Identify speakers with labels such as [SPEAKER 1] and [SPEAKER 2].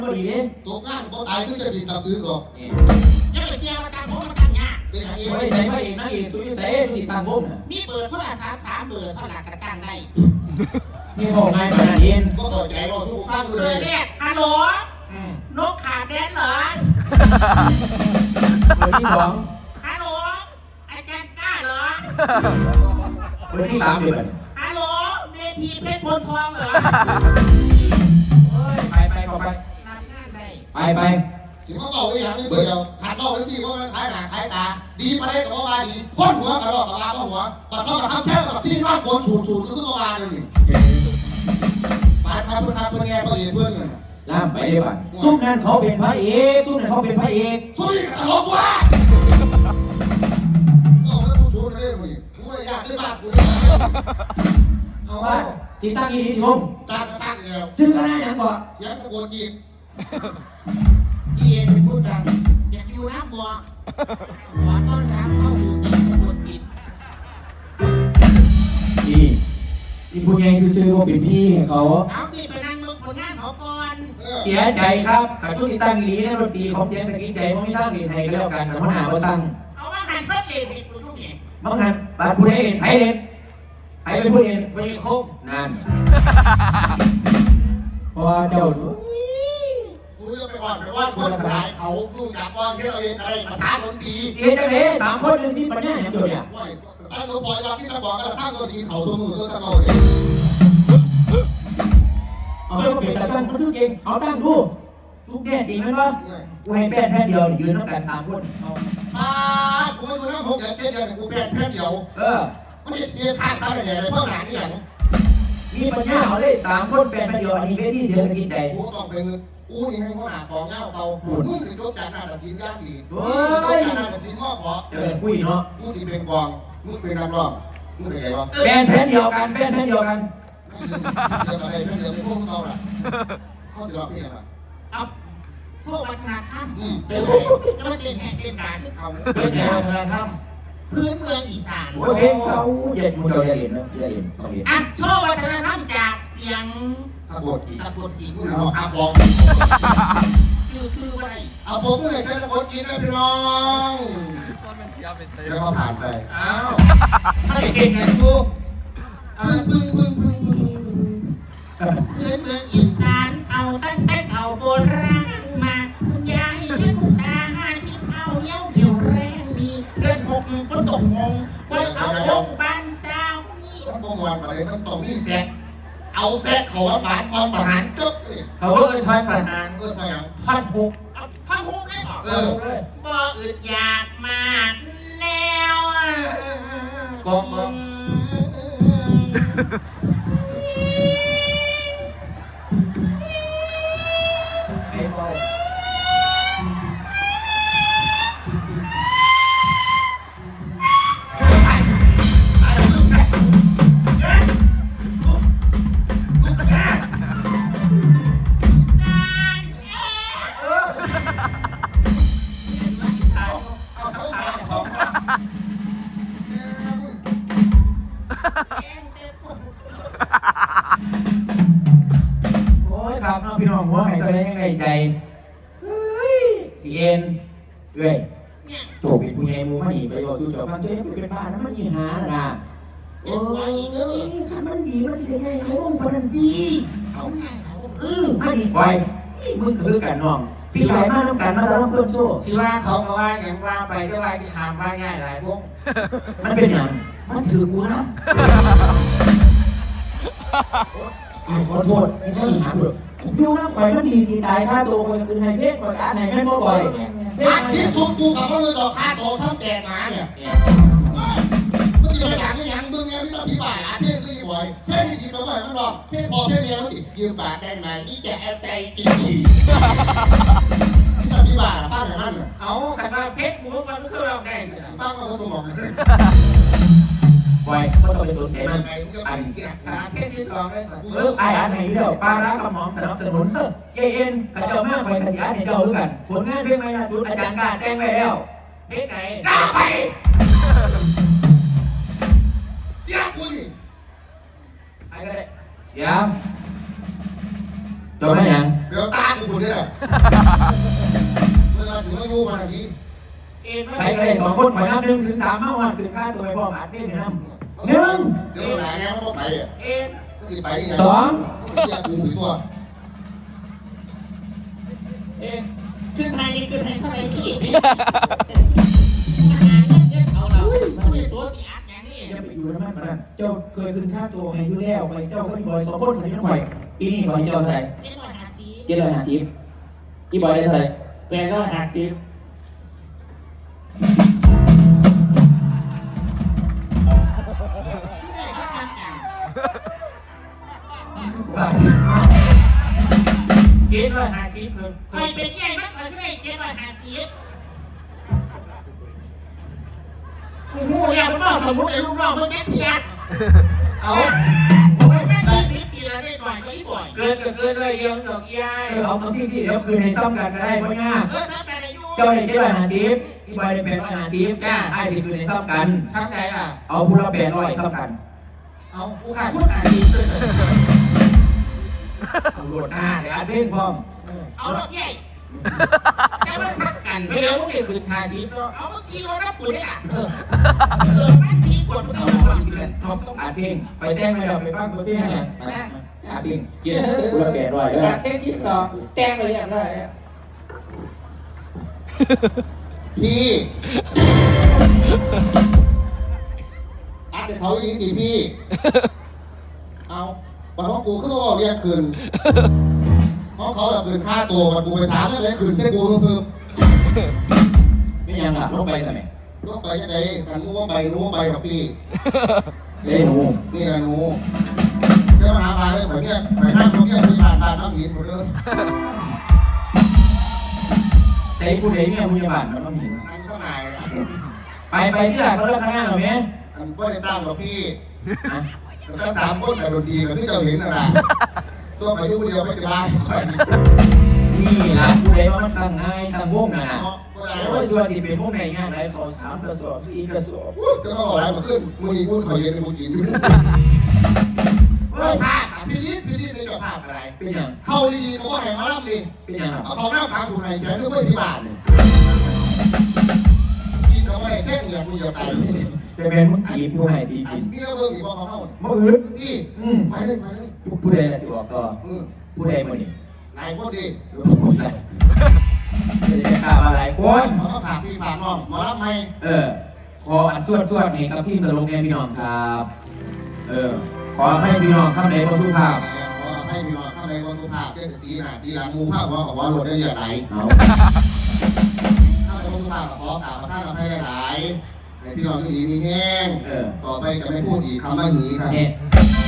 [SPEAKER 1] พอดีเนี่ย
[SPEAKER 2] ตกงานก็ตายก็จะดีตับตื้อก่อน
[SPEAKER 3] ยังไปเสียมาตังโมมาตังยา
[SPEAKER 2] เป็นอย่างนี้
[SPEAKER 1] ไม่ใส่มาเองนะเองช่วยใส่ติดตามผม
[SPEAKER 3] มีเปิดเท่าไหร่3เปิดเท่าไหร่กระตั้งได้
[SPEAKER 1] นี่บอกไงขนาดนี้
[SPEAKER 2] ก็เข้าใจว่าทุกข้างเล
[SPEAKER 3] เปิดเนี่ยฮัลโหลนกขาแดนเหรอ
[SPEAKER 1] เบอร์ที่2
[SPEAKER 3] ฮัลโหลอาจารย์กล้าเหรอ
[SPEAKER 1] เบอร์ที่3เดือน
[SPEAKER 3] ฮัลโหลเวทีเพชรพลทองเหรอ
[SPEAKER 1] ไปขอไป
[SPEAKER 3] ทำงานได้
[SPEAKER 1] ไป
[SPEAKER 2] ถึงเขาบอกอย่างนี้เดียวขาดเบ้าเลยที่ว่ามันคล้ายหนาคล้ายตาดีไปได้กับว่าดีพ้นหัวกระรอกกระลาพ้นหัวแต่เขาแบบทำแค่แบบซี่มากโกนถูก็คือว่าเลยไปเพื่อนเพื่อนแง่เพื่อนเพื่อน
[SPEAKER 1] ล่ามไปได้ป่ะซุ่มนั้นเขาเป็นพระเอกซุ่มนั้นเขาเป็นพระเอก
[SPEAKER 2] ซุ่มนี่ตลกว่าเอาแล้วกูซุ่มเลยมึงกูไม่อยากได้บ้านกู
[SPEAKER 1] เอาว่าจิตตั้งยี่ดีม
[SPEAKER 2] ตั้งเดียว
[SPEAKER 1] ซึ่งก็น่าอย่างก่อน
[SPEAKER 2] เสียงตะโกนจีบ
[SPEAKER 3] ที่เอ็นเป็นผู้จัดอยากอยู่น้ำบัวขอต้อนรับเข้าสู่สิ่งสมุนกิจ
[SPEAKER 1] ที่ผู้ใหญ่ซื้อว่าเป็นพี่เขา
[SPEAKER 3] เอาสิไปนั่งมึงผลงานเขาก่อน
[SPEAKER 1] เสียใจครับกับช่วงที่ตั้งดีในดนตรีของเสียงตะกี้ใจมันไม่ตั้งดีในก็แล้วกันแต่ว่าหาว่าสั่ง
[SPEAKER 3] เอาว่าหันเพื่อนเลยไปดูลูกเนี่ย
[SPEAKER 1] บางงานบาดผู้ใดเล่นไผ่เล่นไผ่เป็นผู้เล่นไม่ได้ครบนั่นพอเจ้า
[SPEAKER 2] กูจะไปอ่อนไปว่าคนขายเขาลูกจากว่าที่เราเองอะไรภาษาดนตรี
[SPEAKER 1] เสียใจเลย3 คนหนึ่งที่ปัญญาอย่างเดียวเนี่ย
[SPEAKER 2] ตั้งตัวปล่อยว่าพี่จะบอกกันตั้งตัวดีเขาตัวมือตัวสมองเลย
[SPEAKER 1] เอาไปเปลี่ยนแต่สั้นก็คือเก่งเอาตั้งดูทุกแก่ดีไหมวะกูให้แป้นเดียวยืนต้องกัน3 คน
[SPEAKER 2] กูไม่รู้นะผมอยากเต้นเดียวกูแป้นเดียวมันเสียค่าค่าอะไรเพิ่มหนานี่อย่าง
[SPEAKER 1] มีปัญญาเอาเลย3 คนแป้นเดียวอันนี้เวทีเสียงตะกี้ใจ
[SPEAKER 2] กูต้องเป็นกูนี่ให้เขาหนาของเงาเตามึงเป็นยกจากหน้าตัดสินยากดียกจากหน้าตัดสินมอขอ
[SPEAKER 1] คุยเนาะ
[SPEAKER 2] กูสิเป็นกองมึงเป็นนักร้องมึงเป็นไงวะ
[SPEAKER 1] แป้นเดียวกัน
[SPEAKER 2] เดี๋ยวอะไรเดี๋ยวไม่พูดเขาละเขาจะรับพี่อะไร
[SPEAKER 3] เอาพวกวัฒนธรรมเป็นไรก็ไม่เป็นแห่งเป็นการที่เขา
[SPEAKER 1] เป็นวัฒนธรรม
[SPEAKER 3] พื้นเมืองอีสาน
[SPEAKER 1] โอเคเขาเด็ดมึงเราจะเห็นนะจะเห็น
[SPEAKER 3] อ่ะโชว์วัฒนธรรมจากเสียง
[SPEAKER 2] ตะโกนกี
[SPEAKER 3] พูด
[SPEAKER 2] อาบอก
[SPEAKER 3] คือว่าอะไร
[SPEAKER 2] เอาผมเลยใช้ตะโกนกีนะพี่น้องแล้วก็ผ่านไป
[SPEAKER 3] อ้าวถ้าเก่งไงกูพื้นเมืองอีสานเอาตั้งแต่เอาโบราณมาคุณยายและคุณตาให้พี่เอาเย้าเดี่ยวแรงมีเล่นหกก็ตกงงไว้เอาลงบ้านสาวนี่
[SPEAKER 2] ต้องบงวันอะไรมันตรงนี้เสร็จเอาเสร็จเขาว่าบาดทองประหารจุ๊บ
[SPEAKER 1] เขาทอยประหาร
[SPEAKER 2] ทอยอย่าง
[SPEAKER 1] พันหุก
[SPEAKER 3] ได้หรอบ่อึดอยากมากแนว
[SPEAKER 1] ก็ครับน้องพี่น้องหัวไหนตัวนี้ยังไงใจเย็นเว้ยโจบเป็นผู้ใหญ่มูมันหนีไปบอกจู่จบมันเจ๊เป็นบ้านนั้นมันยิงหาน่ะโอ้ยคันมันดีมันเสียไงไอ้วงพนันดี
[SPEAKER 3] เขาไง
[SPEAKER 1] มันดีไปมึงคือกันน้องพี่ใหญ่มากน้ำกันมาแล้วเพื่อนโซ่
[SPEAKER 3] ที่ว่าเขาก็ว่าอย่างว่าไปก็ว่าที่หามว่าง่ายหลายพวก
[SPEAKER 1] มันเป็นอย่างมันถือกูนะขอโทษไม่ได้หาเถอะดูนะข่อยมันดีสิตายค่าตัวคนคือในเพศประกาศไหนแม่บ่บ่อย
[SPEAKER 2] อาทิตย์ทุกกูกับเขาเลยดอกค่าตัวซ้ำแดงหมาเนี่ยมึงจะไปอย่างนี้ยังมึงไงพี่ต้องพี่บ่ายอาเพ่ที่บ่อยเพ่ที่ดีมาบ่อยมันหรอกเพ่พอเพ่เมียมันดิยืมบาทได้ไหมนี่แกใจกี่พี่ต้องพี่บ่ายฟังอย่างนั้น
[SPEAKER 3] เอาขันมาเพชรกูเมื่อวันก็คือเราได้
[SPEAKER 2] ฟังมาคนสมอง
[SPEAKER 1] ไว้ก็ต้องไปสนใจมันอัน
[SPEAKER 3] เพชรที่2เลย
[SPEAKER 1] ไอ้อันไหนเดียวปลาร้ากระหม่อมสนับสนุนเอ็นกระเจ้ามากคอยขยันให้เจ้าด้วยกันผลงานเพลงใหม่ล่าสุดอาจารย์กาแจ้งไว้แล้ว
[SPEAKER 3] เพลงไหน
[SPEAKER 1] กล้าไป
[SPEAKER 2] เสียกูนี่
[SPEAKER 1] ไอ้ก็ได้เดี๋ยวจบไหมยัง
[SPEAKER 2] เดี๋ยวตากูคนนี้แหละเวลาถึงอายุมาแบบนี้
[SPEAKER 1] ไปกันเลย2 คนขอนับ1 ถึง 3มาหอดถึงค่าตัวไปพ่ออัดเพลงหนึ่ง1
[SPEAKER 2] เสียเวลาแง่ไม่ต้องไปอ่ะไม่ไปยังไง
[SPEAKER 1] 2
[SPEAKER 2] เสียกูหรือตัว
[SPEAKER 3] ขึ้นไทยขึ้นไทยเท่าไหร่พี่เอาเราไม่ตัวที่อัดอย่างนี้
[SPEAKER 1] อย่าไปอยู่นะมันนะเจ้าเคยคืนค่าตัวให้อยู่แล้วไปเจ้าก็อีบอย2 คนให้น้องไปปีนี้ก่อนเจ้าเท่าไหร่750อีบอยได้เท่าไหร่
[SPEAKER 3] 850ไปเป็นใหญ่มากเลยก็ได้750โอ้โหอยากเป็นว่าสมมติไอ้ลูกน้องเพิ่งแค่เทียดเอาไม่แม่20 ปีแล้วได้หน่อยก็อีบ่อย
[SPEAKER 4] เกินเลยยังดอกยาย
[SPEAKER 1] เอามาที่เดี๋ยวคืนในซ่อมกันก็ได้ไม่ง่าย
[SPEAKER 3] ทำการอายุ
[SPEAKER 1] เจ้าได้750อีบอยได้850ไอ้ที่คืนในซ่อมกัน
[SPEAKER 4] ทำไงล่ะ
[SPEAKER 1] เอาพูละ800ซ่อมกัน
[SPEAKER 4] เอากูขาดพูดขาดดีเลย
[SPEAKER 1] เอาโหลดหน้าเดี๋ยวอัดเพลงพร้อม
[SPEAKER 3] เอารถใหญ่แค่ว่าสักกัน
[SPEAKER 4] ไม่แล้วมึงเด็กคืนทาชิปเนาะ
[SPEAKER 3] เอาเมื่อกี้เรารับปุ๋ยได้อ่ะแม่ทีกดมัน
[SPEAKER 1] เอา
[SPEAKER 3] เอา
[SPEAKER 1] มา
[SPEAKER 3] ก่
[SPEAKER 1] ฟั
[SPEAKER 3] อน
[SPEAKER 1] งกันเอาต้องอัดเพลงไปแจ้งเลยเราไปฟังตัวเพลงเนี่ยอัดเพลงเย็นพูละ800เลย
[SPEAKER 4] เต้นที่2แจ้งไปเรียบร้อยแล้ว
[SPEAKER 2] พี่อัดเขาอีกทีพี่เอาวันของกูก็ต้องเรียกคืนเพราะเขาจะคืนค่าตัวมันกูไปถามอะไรคืนแค่กูเพิ่ม
[SPEAKER 1] ไม่ยังอ่ะลงไปทำไม
[SPEAKER 2] ต้องไปยังไงกันรู้ว่าไปกับพี่
[SPEAKER 1] เอ้หนู
[SPEAKER 2] นี่กันหนูเจ้ามาไปเลยผมเนี่ยไปนั่งตรงนี้ไปผ่านน้ำหินหมดเลย
[SPEAKER 1] ใส่ผู้ใดเนี่ยผู้ใหญ่บ้านมันต้องเห็น
[SPEAKER 2] นั่งข้างใน
[SPEAKER 1] ไปที่ไหนเขาเลิกข้างหน้าหรอแม่
[SPEAKER 2] มันก็ได้ตามกับพี่
[SPEAKER 1] อ่ะ
[SPEAKER 2] แต่3 คนกับดนตรีกับที่เราเห็นน่ะนะตัวไปยุ่งเดียวไม่สบายค่อย
[SPEAKER 1] นี่ล่ะผู้ใดว่ามันตั้งง่ายตั้งวงน่ะ
[SPEAKER 2] เนาะก็ได้
[SPEAKER 1] โอ้ยส่วนที่เป็นวงในงานไหนเขา3 กระสอบ4 กระสอบ
[SPEAKER 2] จะต้องอะไรมาขึ้นมือคุณขอเย็นมือกินอยู่เฮ้ยภาพพี่ลิศในจอภาพอะไร
[SPEAKER 1] เป็นยัง
[SPEAKER 2] เข้าดีๆเขาก็แห่งมาล่ำดี
[SPEAKER 1] เป็นยัง
[SPEAKER 2] เอาเขาหน้าพังถูกไหนแกก็ไม่ที่บ้านเลยกินเอาไว้แค่เหนียวกูจะตาย
[SPEAKER 1] จะเป็นมึงจีบผู้ให้ดี
[SPEAKER 2] อั
[SPEAKER 1] กิ
[SPEAKER 2] น
[SPEAKER 1] น
[SPEAKER 2] นี้ก็เบิ่งอีกว่าเขาเข้า
[SPEAKER 1] เมื่ออื่น
[SPEAKER 2] พี่ ไปเลย
[SPEAKER 1] ผู้ใดล่ะสิบอกต่อผู้ใดมื้อนี้
[SPEAKER 2] นายคนดี
[SPEAKER 1] ผู้ใดไม่ได้ข่าวอะไรค
[SPEAKER 2] คน
[SPEAKER 1] น
[SPEAKER 2] เขาก็ฝากพี่ฝากน้องมารับไหม
[SPEAKER 1] ขออันส่วนนี้กับพี่ตลกแน่พี่น้องครับ ขอให้พี่น้องเข้าในประสุภาพ
[SPEAKER 2] ให้พี่น้องเข้าในวันสุภาพเจ้าตีหน่ะตีหลังมูภาพว่าของว่าหลดได้เยอะไหล
[SPEAKER 1] เอา
[SPEAKER 2] เข้าในวันสุภาพขอกล่าวมาท่านเราให้หลายในพี่น้องที่ดีมีแห้งต่อไปจะไม่พูดอีกคำว่าหนีครับ
[SPEAKER 1] เนี่ย